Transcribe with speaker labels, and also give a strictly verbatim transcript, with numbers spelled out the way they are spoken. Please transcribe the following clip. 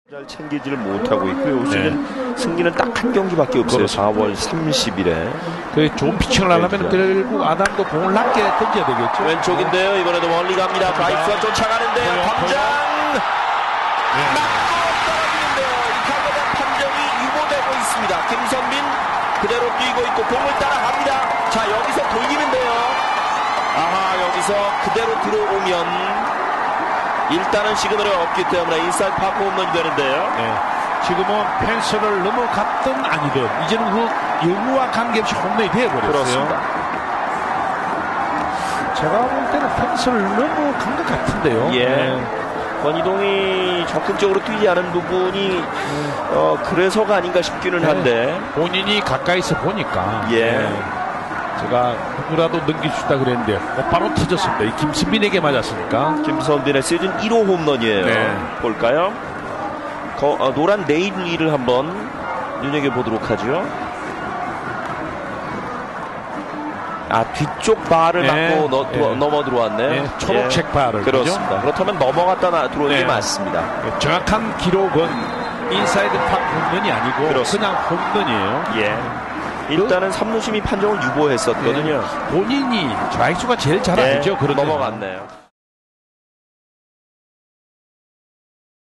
Speaker 1: 잘 챙기지를 못하고 있고요. 시즌 네. 승리는 딱 한 경기밖에 없어요. 그렇죠. 사월 삼십일에.
Speaker 2: 그 좋은 피칭을 하려면 결국 아담도 공을 낮게 던져야 되겠죠.
Speaker 1: 왼쪽인데요. 이번에도 멀리 갑니다. 좌익수가 쫓아가는데요. 당장 맞고 떨어지는데요. 이 타구의 판정이 유보되고 있습니다. 김선민 그대로 뛰고 있고 공을 따라갑니다. 자, 여기서 돌리는데요. 아하, 여기서 그대로 들어오면 일단은 시그널이 없기 때문에 인사이드 파크 홈런이 되는데요.
Speaker 2: 네. 지금은 펜스를 넘어갔든 아니든 이제는 그 여부와 관계없이 홈런이 되어버렸어요.
Speaker 1: 그렇습니다.
Speaker 2: 제가 볼 때는 펜스를 넘어간 것 같은데요.
Speaker 1: 예.
Speaker 2: 네.
Speaker 1: 권희동이 적극적으로 뛰지 않은 부분이 음. 어, 그래서가 아닌가 싶기는 한데
Speaker 2: 네. 본인이 가까이서 보니까
Speaker 1: 예.
Speaker 2: 네. 제가 누구라도 넘겨주다 그랬는데 어, 바로 터졌습니다. 이 김선빈에게 맞았으니까.
Speaker 1: 김선빈의 시즌 일 호 홈런이에요. 네. 볼까요? 거, 어, 노란 네일리를 한번 눈여겨보도록 하죠. 아, 뒤쪽 발을
Speaker 2: 네.
Speaker 1: 맞고 너,
Speaker 2: 네.
Speaker 1: 넘어 들어왔네요.
Speaker 2: 네. 초록색
Speaker 1: 예.
Speaker 2: 발을.
Speaker 1: 그렇습니다.
Speaker 2: 그죠?
Speaker 1: 그렇다면 넘어갔다 나, 들어오는 네. 게 맞습니다.
Speaker 2: 네. 정확한 기록은 인사이드 팍 홈런이 아니고 그렇습니다. 그냥 홈런이에요.
Speaker 1: 예. 일단은 삼루심이 판정을 유보했었거든요.
Speaker 2: 네. 본인이 좌익수가 제일 잘 알죠.
Speaker 1: 네.
Speaker 2: 그런
Speaker 1: 넘어갔네요.